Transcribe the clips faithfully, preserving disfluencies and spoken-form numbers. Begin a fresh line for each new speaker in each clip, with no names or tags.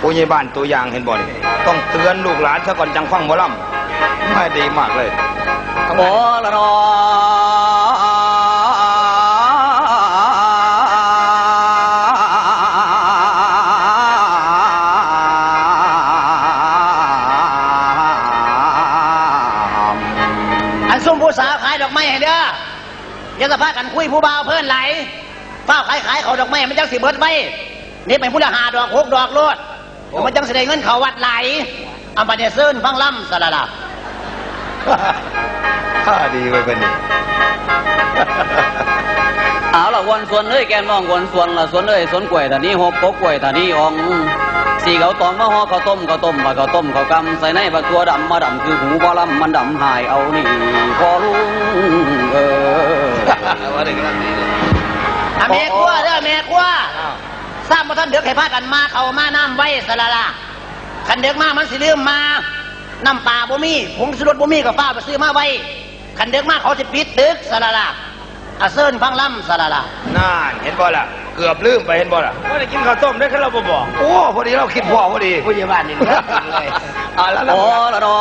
ผู้ใหญ่บ้านตัวอย่างเห็นบ่นี่ต้องเตือนลูกหลานซะก่อนจังฟังหมอลำไม่ดีมากเลย
โอ้ละนอ
อันซุ่มผู้สาวขายดอกไม้ให้เด้ออย่าสะพากันคุยผู้บ่าวเพื่อนไหลเฝ้าขายขายเขาดอกไม้มันจังสิเบิดไว้นี่เป็นผู้ละหาดอกหกดอกโลดมันจังแสดงเงินเขาวัดไหลอัมบาเดเซิร์นฟังล่ำสละละ
ข้าดีไว้เป็นนี่
เอาละวนส่วนเอ้ยแกน้องวนส่วนละส่วนเอ้ยส่วนกล้วยตานี้หกปกกล้วยตานี้อ่องสีเขาตองมาห่อข้าวต้มข้าวต้มปลาข้าวต้มข้าวกำใส่ในปลาตัวดำมาดำคือหูบอลำมันดำหายเอานี่พอลุงเออ
ว่าได้กันดีเลย
แม่ขั้วเด้อแม่ขั้วทราบว่าท่านเดือกให้พากันมาเขามาน้ำไว้สละละคันเดือกมามันสิลืมมาน้ำปลาบ่มีผงชูรสบ่มีกับฟ้าไปซื้อมาไว้คันเดือกมาเขาจะปิดตึกสละละอาเซิร์นฟังล่ำสละละ
น่าเห็นบ่ล่ะเกือบลืมไปเห็นบ่ล่ะว่าได้กินข้าวต้มได้แค่เราบ่บอกโอ้พอดีเราคิดพ่อพอดี
ผู้ใหญ่บ้านนี่เลย
อ่าแล้ว
โอ้ละนอ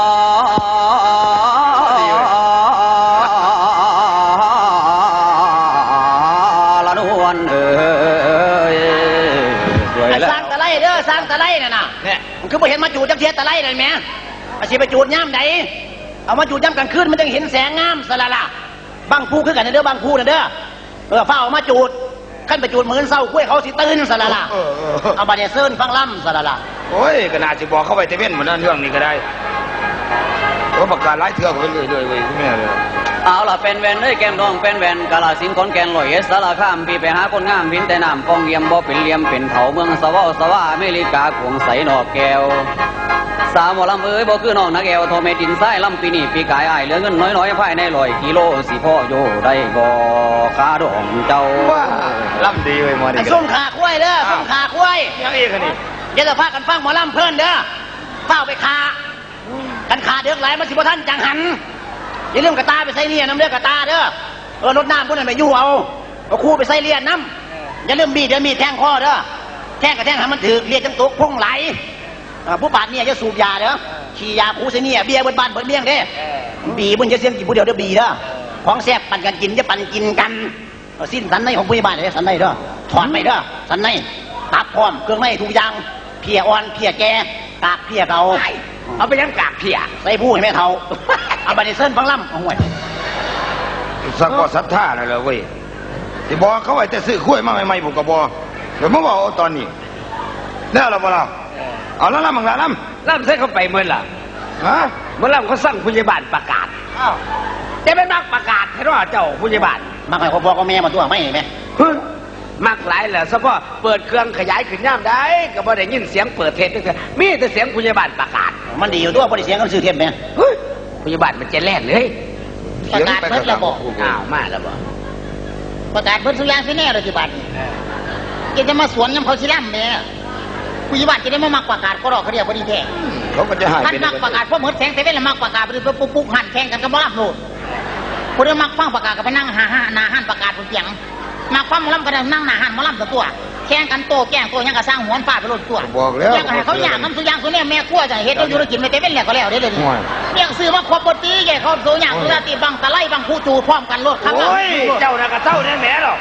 ละนวลเอ้ยสวยแล้ว
สร้างตะไลเด้อสร้างตะไลน่ะนะเนี่ยมันคือบ่เห็นมาจูดจังเทียตะไลเลยแม่อาชีพไปจูดย่ำใดเอามาจูดย่ำกันขึ้นมันจะเห็นแสงงามสละละบางผู้คือกันเด้อบางผู้นะเด้อเออเฝ้าเอามาจูดขั้นไปจูดเหมือนเศร้าคุ้ยเขาสิตื่นสละละเอาบาเดเซิร์นฟังล่ำสละละ
โอ้ยก็น่าจะบอกเข้าไปเตเว่นเหมือนนั่นเรื่องนี้ก็ได้เพราะประกาศไล่เถื่อนไปเรื่อยๆเว้ยคุณแม่เลย
เอาล่ะเป็นแวนเอ้ยแก้มน้องเป็นแวนกาลสินคนแกนลอยเอสารข้ามพี่ไปหาคนงามพินแต่น้ำกองเยี่ยมบ่เป็นเลี่ยมเป็นเถาเมืองสวาสวาอเมริกาขวงใสนอกแก้วสาวหมอลำเอ้ยบ่คือน้องนักแก้วโทเมตินไส้ลำปีนี่ปีกายอ้ายเหลือเงินน้อยๆภายในลอยกิโลสิพ่อโยได้บ่คาดองเจ้า
ว่าลำดีเว้ยหมอนี่
ส้มขาคุ้ยเด้อส้มขาคุ้ย
ยังอีกนี่
อย่าจะพากันฟังหมอลำเพิ่นเด้อเฝ้าไปคากันขาเดือกไหลมันสิบ่ท่านจังหันอย่าลืมกระตาไปใส่เลียนน้ำเลือดกระตาเด้อเออรถน้ำพวกนั้นไปยู่เอาเอาคู่ไปใส่เลียนน้ำอย่าลืมบีดเดี๋ยวมีแทงคอเด้อแทงกับแทงให้มันถือเลียนจังตุกพุ่งไหลผู้ปาดเนี่ยจะสูบยาเด้อขี่ยาคู่ใส่เนี่ยเบียร์บนบ้านบนเมี่ยงเด้บีบนจะเสียงกี่ผู้เดียวเด้อบีเด้อของแซ่บปั่นกันกินจะปั่นกินกันสิ้นสันในของผู้บ้านเลยสันในเด้อถอนไปเด้อสันในตับพร้อมเครื่องในทุกอย่างเพียอ่อนเพียแก่กากเพียเก่าเอาไปยังกากเพียใส่ผู้ให้แม่เท่าเอาบานิเซิร์นฟังล่ำเอาห่วย
สักก็ศรัทธาเลยเลยเว้ยที่บอกเขาไว้แต่ซื้อข้วยมาใหม่ๆบุกกระบอกเดี๋ยวมาบอกตอนนี้แล้วเราบอกเราเอาแล้วล่ำมึงละล่ำ
ล่ำเส้นเข้าไปเมื่อล่ะ
ฮะ
เมื่อล่ำเขาสั่งผู้ใหญ่บ้านประกาศอ้าวจะไม่มักประกาศให้ว่าเจ้าผู้ใหญ่บ้าน
มักให้พ่อพ่อกับแม่มาตัวไม่ไหม
มักหลายแหละเฉพาะเปิดเครื่องขยายขึ้นย่ำได้ก็บ่ได้ยินเสียงเปิดเทปด้วยมีแต่เสียงผู้ใหญ่บ้านประกาศ
มันดีอยู่ตัวบ่ได้เสียงกันซื้อเทปไหม
ผู้ใหญ่บ้านมันจะแล่นเลย
ประกาศเพิ่นระบอก
อ้าวมาแล้วบ่
ประกาศเพิ่นสุยางสิแน่เลยที่บ้านจะจะมาสวนยำเขาสิล่ำแม่ผู้ใหญ่บ้านจะได้มามักประกาศก็รอเขาเรียกว่าดีแท้
เขาก็จะหาย
ท่านมักประกาศเพราะเหมือนแสงเซเว่นแล้วมักประกาศไปปุ๊บปุ๊บหันแข่งกันกับบ่รับโลดคนเดียวมักฟังประกาศก็ไปนั่งหาหาหน้าหันประกาศบนเสียงมักฟังมอลำก็ได้นั่งหน้าหันมอลำตัวแข่งกันโตแก่งโตยังกระสร้างหัวฟาดไปโลดตัว
บอกแล้ว
ยังให้เขาอยากน้ำสุยางสุเนี่ยแม่ขั้วจะเฮ็ดให้ธุรกิจไม่เต็มแล้วก็แล้วได้เลยเนี่ยซื้อมาครบปกติแกเขาโซยางสุราตีบังตะไลบังผู้จูพร้อมกันโลดครับ
โอ้ยเจ้าน่ะก็เจ้าแน่แม่หรอก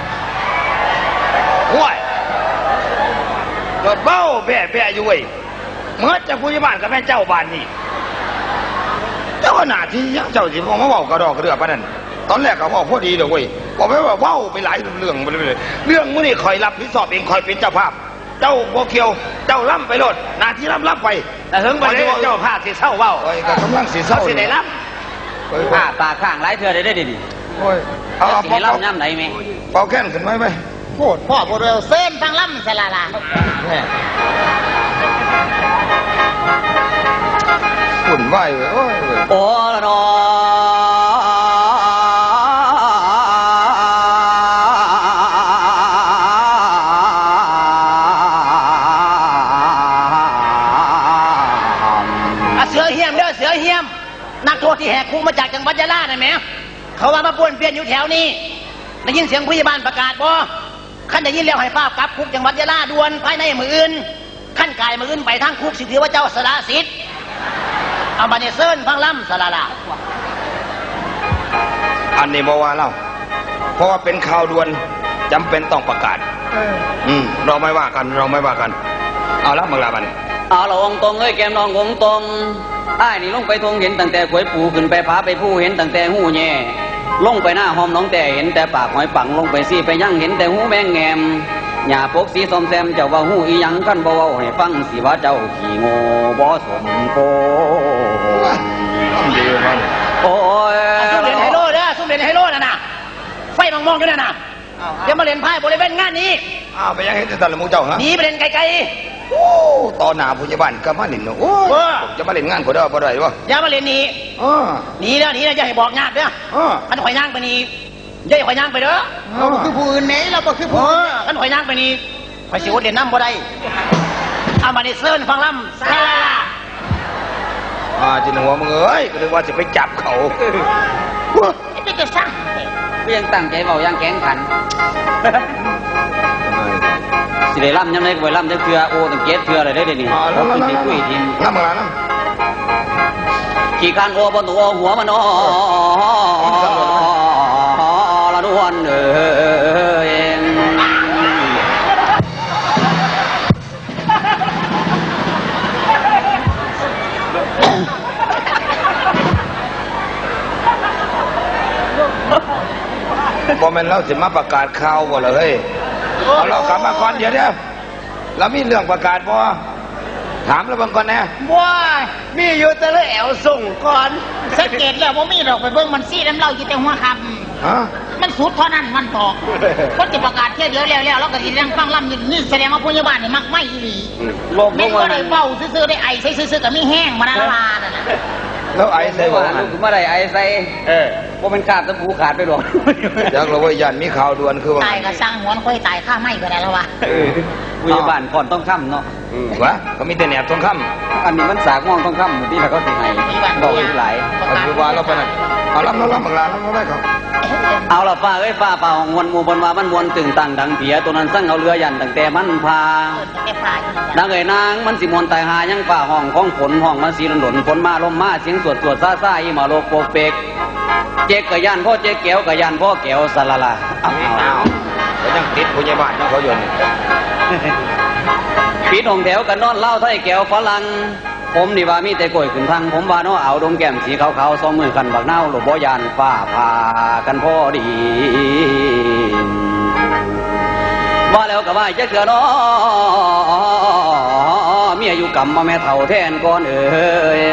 ห่วยเกิดเบ้าแบ่แบ่อยู่เว้ยเมื่อจะผู้ใหญ่บ้านกับแม่เจ้าบ้านนี่เจ้าหน้าที่ยังเจ้าสิบอกมาเว้ากระดอกกระเดือปะนั่นตอนแรกก็บอกพอดีเลยเว้ยบอกไปว่าเว้าไปหลายเรื่องไปเลยเรื่องมื้อนี้คอยรับผิดชอบเองคอยเป็นเจ้าภาพเจ้าโบเคียวเจ้าล่ำไปโลดหน้าที่ล่ำล่ำไป
แต่ถึงวันนี้เจ้าภาพสิเศร้าเว้า
โอ้ยก็กำลังสิเศร้า
สิได้ล่ำ
ผ้าตาข้างหลายเทื่อได้ได้ดิ
โอ้ยเอา
เอาล่ำย่ำไหนไหม
เป่าแค้นขึ้นไหมไหม
โคตรพ่อโบเรลเส้นฟังล่ำสลาลา
ฝุ่นไหวเลยโอ้ย
โอ้ละนอ
เสือเหี้ยมเด้อเสือเหี้ยมนักโทษที่แหกคุกมาจากจังหวัดยะลาได้ไหมเขาว่ามาป้วนเปี้ยนอยู่แถวนี้ได้ยินเสียงผู้ใหญ่บ้านประกาศบ่ขั้นได้ยินแล้วให้ฟ้ากลับคุกจังหวัดยะลาด่วนภายในมืออื่นขั้นกายมาขึ้นไปทางคุกสิถือว่าเจ้าสละสิทธิ์เอามาเนี่ยเซิร์นฟังล่ำสละละ
อันนี้บอกว่าเล่าเพราะว่าเป็นข่าวด่วนจำเป็นต้องประกาศอืมเราไม่ว่ากันเราไม่ว่ากัน เอาละมังลาบัน
เอาละองตรงเอ้ยแก้มน้ององตรงอ้ายนี่ลงไปทงเห็นตั้งแต่ขวยปูขึ้นไปผาไปผู้เห็นตั้งแต่หูแย่ลงไปหน้าหอมน้องแต่เห็นแต่ปากหอยปังลงไปซี่ไปยั่งเห็นแต่หูแมงแงมหญ้าปกสีส้มแซมเจ้าว่าหูอีหยังกันบ่เว้าให้ฟังสิว่าเจ้าขี้โง่บ่สมโก
ต้องดีมัน
โอ้ย
ซุ่มเล่นไฮโลเด้อซุ่มเล่นไฮโลน่ะนะไฟมองมองอยู่นั่นน่ะเดี๋ยวมาเล่นไพ่บริเวณงานนี้
อ้าวไปยังเห็นแต่ตอนละมูเจ้าฮะ
หนีไปเล่นไกล
โอ้ตอนหนาผู้ใหญ่บ้านก็มาเล่นเนาะโอ้ยผมจะมาเล่นงานก็ได้บ่ได้วะ
ๆอย่ามาเล่นหนี
อ๋อ
หนีแล้วหนีแล้วอย่าให้บอกญาติเด้อ
อ๋อ
ขันข่อยย่างไปนี่อย่าให้ข่อยย่างไปเด้อ
เราบ่คือผู้
อื่นไหนเราบ่คือผู้ขันข่อยย่างไปนี่ข่อยสิอดเล่นน้ำบ่ได้เอามาในเซิร์นฟังล่ำซาลาลา
อ่าจินหัวมึงเอ้ยก็เลยว่าจะไปจับเขา
ไอ้เป็นจะสร้าง
เพียงตั้งใจเว้าอย่างแข็งขันสิได้ล่ำยังไงก็ไปล่ำจักเทื่อโอ้ตั้งเจ็ดเทื่อเลยได้อเดี๋ยวนี้
อ๋อแล้ว
ขึ้นสิคุยทีม
น้ำมาน้
ขี่การโอ้บนตัวหัวมันอ้อละนวลเอ้ย
ำพอแม่นเราสิมาประกาศข่าวบ่ล่ะเฮ้ยเอาเรากลับมาก่อนเดี๋ยวเดี๋ยวเรามีเรื่องประกาศบ่ถามแล้วบางก่อนนะ
ว้ายมีอยู่แต่ละแอวส่งก่อน
สังเกตแล้วว่ามีดอกไปเบิ่งมันซี่น้ำเหล่าอยู่แต่หัวค
ฮะ
ำมันสุดเท่านั้นมันตอกคนจะประกาศเที่ยวเดียวแล้วแล้วแล้วก็สิเรื่องฟังล่ำอยู่นี่แสดงว่าผู้ใหญ่บ้านนี่มักไม่อีหลี
โลก
ไม่
โลก
ก็
ว่า
ได้เฝ้าซื่อๆได้ไอใส่ซื่อๆกับมีแห้งมานาลานั่นน่ะ
แล้วไอ้ใส่บ่
ว่า
มั
ลู
น
กมาได้ไอ้ใส่
เออ
ว่ามันขาดตะปูขาดไปหรอก
อยากเราว่ายันมีข่าวด่วนคือว่า
ตายก็สร้างหัวนค่อยตายข้าไม่ก็ได้แล้ววะ
ผู้ใหญ่บ้านก่อนต้องค่ำเนาะ
อืมวะเขามีแต่แหนบทองค
อันนี้มันสากมองต้องค่ำที่เราก็สิให้ดอกหลาย
ำเอาคือว่าเราไปนั่นเอารับเรารับบังลาเราไม่ได้เขา
เอาละฟ้าเอ้ยฟ้าเป่าของมวลหมู่บนว่ามันมวลตึงตังดังเปียตัวนั้นสั่งเอาเรือยันตั้งแต่มันพา
เอิ้นแต่ปลายอยู่นั่น
ดั
ล่ะ
งเอ่ยนางมันสิมวนตายหายังฝ่าห้องของฝนห้องมันสีหล่นฝนมาลมมาเสียงสวดสวดซาซาอีหมาโลกโปกเปกเจ๊กกะยันพ่อเจ๊กแก้วกะยันพ่อแก้วสลาลาเอา
เอาเขายังติดผู้ใหญ่บ้านยังเขาอยู่นี่
ปีนองแถวกันนอนเล่าไทยแก้วฝรั่งผมนี่ว่ามีแต่กล้วยขึ้นทางผมว่าน้อเอาดมแก้มสีขาวๆสองมือกันบักเน่าหลบบ่ยานฟ้าผ่ากันพอดีว่าแล้วก็ว่าจะเกือน้อเมียอยู่กับมาแม่เฒ่าแทนก่อนเอ่ย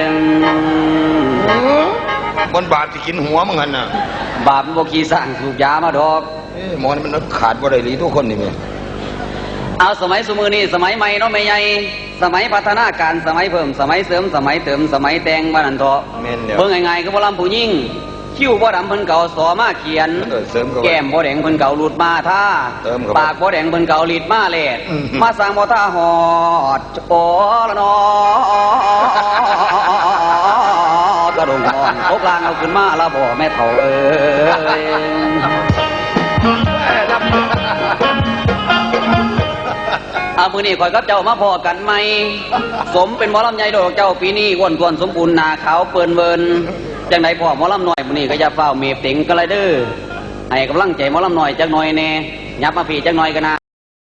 บนบาทที่กินหัวมึงหันน่ะ
บาปบ่ขี้สร้างสูบยามาดอก
เอ้ยหมอนี่มันขาดบ่ได้หลีทุกคนนี่แม่
เอาสมัยสมือนี่สมัยใหม่เนาะไม่ใหญ่สมัยพัฒนาการสมัยเพิ่มสมัยเสริมสมัยเติมสมัยแต่งบ้านนันเถาะ
แม่นเดียว
เบิ่งง่ายๆก็บ่ลำผู้ยิ่งคิ้วบ่ดำเพิ่นเก่าสอมาเขียน
เออเสริมเข้าไป
แก้มบ่แดงเพิ่นเก่าหลุดมาท่า
เติมเข้าไป
ปากบ่แดงเพิ่นเก่าลีดมาแลด
อืม
มาสร้างบ่ท่าหอดโอ้ละนอกระดงอ่อนโอกลางเอาขึ้นมาละบ่แม่เฒ่าเอ้ย อามือนี่ข่อยกับเจ้ามาพอกันไหม สมเป็นหมอลำใหญ่ดอกเจ้าปีนี้อ้วนกวนสมบูรณ์หนาขาวเปิ่นเวินจังไดพ่อหมอลำหน่อยมือนี่ก็อย่าเฝ้าเมฟติงก็เลยเด้อให้กำลังใจหมอลำหน่อยจักหน่อยแน่ยับมาพี่จักหน่อยกันนะ